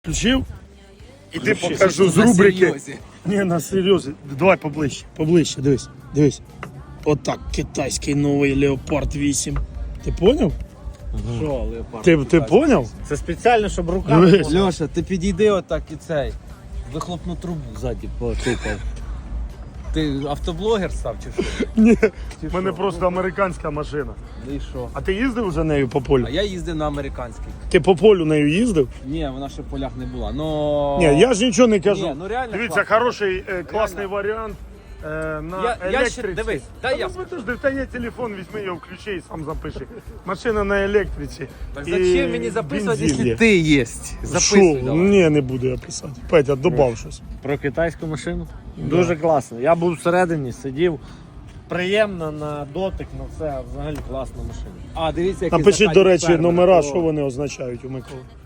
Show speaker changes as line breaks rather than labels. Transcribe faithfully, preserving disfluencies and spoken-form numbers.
Включив? Іди покажу з рубрики. Ні, на серйозі. Давай поближче, поближче, дивись, дивись. Отак, китайський новий Леопард вісім. Ти поняв?
Що, Леопард?
Ти, ти поняв?
Це спеціально, щоб руками...
Дивись.
Льоша, ти підійди отак і цей. Вихлопну трубу ззаді потикав. Ти автоблогер став чи що?
Ні,
Чи
в мене
що?
просто американська машина.
Ну і що?
А ти їздив вже нею по полю?
А я їздив на американській.
Ти по полю нею їздив?
Ні, вона ще в полях не була. Но...
Ні, я ж нічого не кажу.
Ні, ну реально
Дивіться,
класно.
хороший, е, класний варіант е, на
Я- я
електриці.
ще- дивись,
Та
дай я
ну, подожди, та є телефон, візьми його, включи і сам запиши. Машина на електриці.
Так
і
зачем мені записувати,
бензин є.
якщо ти є?
Що?
Записуй давай.
Ні, не буду я писати. Петя, добав щось.
Про китайську машину? Дуже класно. Я був всередині, сидів. Приємно на дотик, на все, взагалі класна машина.
А, дивіться, який
Напишіть, до
закатник
речі,
фермера.
номера,
О.
що вони означають у Миколи.